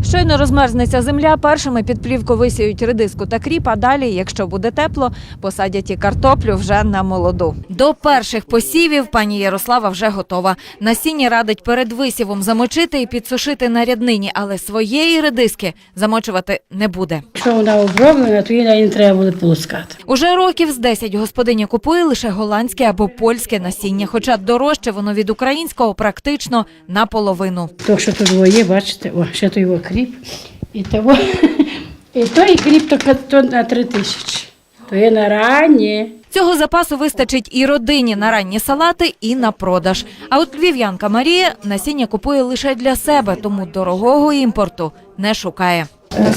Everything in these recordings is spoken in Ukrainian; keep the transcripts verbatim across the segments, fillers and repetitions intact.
Щойно розмерзнеться земля, першими під плівку висіють редиску та кріп, а далі, якщо буде тепло, посадять і картоплю вже на молоду. До перших посівів пані Ярослава вже готова. Насіння радить перед висівом замочити і підсушити на ряднині, але своєї редиски замочувати не буде. Якщо вона оброблена, то її не треба буде полоскати. Уже років з десять господиня купує лише голландське або польське насіння, хоча дорожче воно від українського практично наполовину. То, що тут є, бачите, о, ще той його кріп, і того, і той кріп то, то на три тисячі, то є на ранні. Цього запасу вистачить і родині на ранні салати, і на продаж. А от львів'янка Марія насіння купує лише для себе, тому дорогого імпорту не шукає.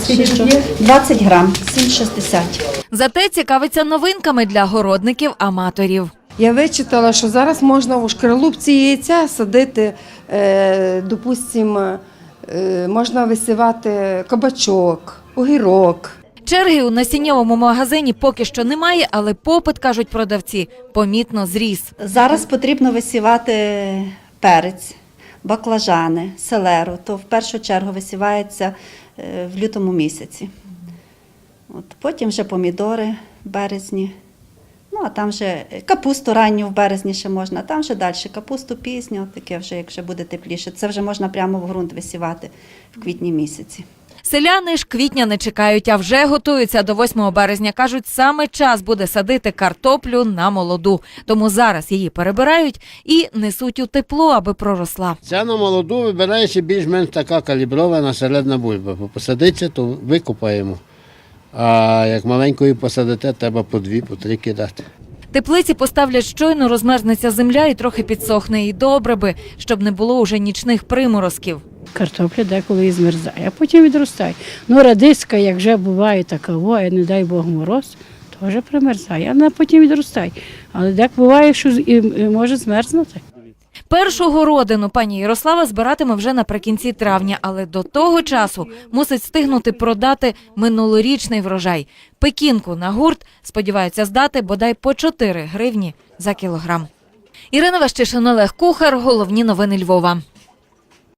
двадцять грам, сім шістдесят. Зате цікавиться новинками для городників-аматорів. Я вичитала, що зараз можна у шкаралупці яйця садити, е, допустимо, е, можна висівати кабачок, огірок. Черги у насіннєвому магазині поки що немає, але попит, кажуть продавці, помітно зріс. Зараз потрібно висівати перець, баклажани, селеру. То в першу чергу висівається в лютому місяці. От, потім вже помідори в березні. Ну, а там вже капусту ранню в березні ще можна, а там вже далі капусту пізню, таке вже, як вже буде тепліше. Це вже можна прямо в ґрунт висівати в квітні місяці. Селяни ж квітня не чекають, а вже готуються до восьмого березня. Кажуть, саме час буде садити картоплю на молоду. Тому зараз її перебирають і несуть у тепло, аби проросла. Ця на молоду вибирається більш-менш така калібрована середня бульба. Бо посадиться, то викопаємо. А як маленької посадите, треба по дві, по три кидати. Теплиці поставлять щойно розмерзнеться земля і трохи підсохне. І добре би, щоб не було уже нічних приморозків. Картопля деколи і змерзає, а потім відростає. Ну, радиска, як вже буває така, а не дай Бог мороз, теж примерзає, а вона потім відростає. Але дек буває, що і може змерзнути. Першу городину пані Ярослава збиратиме вже наприкінці травня, але до того часу мусить встигнути продати минулорічний врожай. Пекінку на гурт сподіваються здати бодай по чотири гривні за кілограм. Ірина Ващишин, Олег Кухар. Головні новини Львова.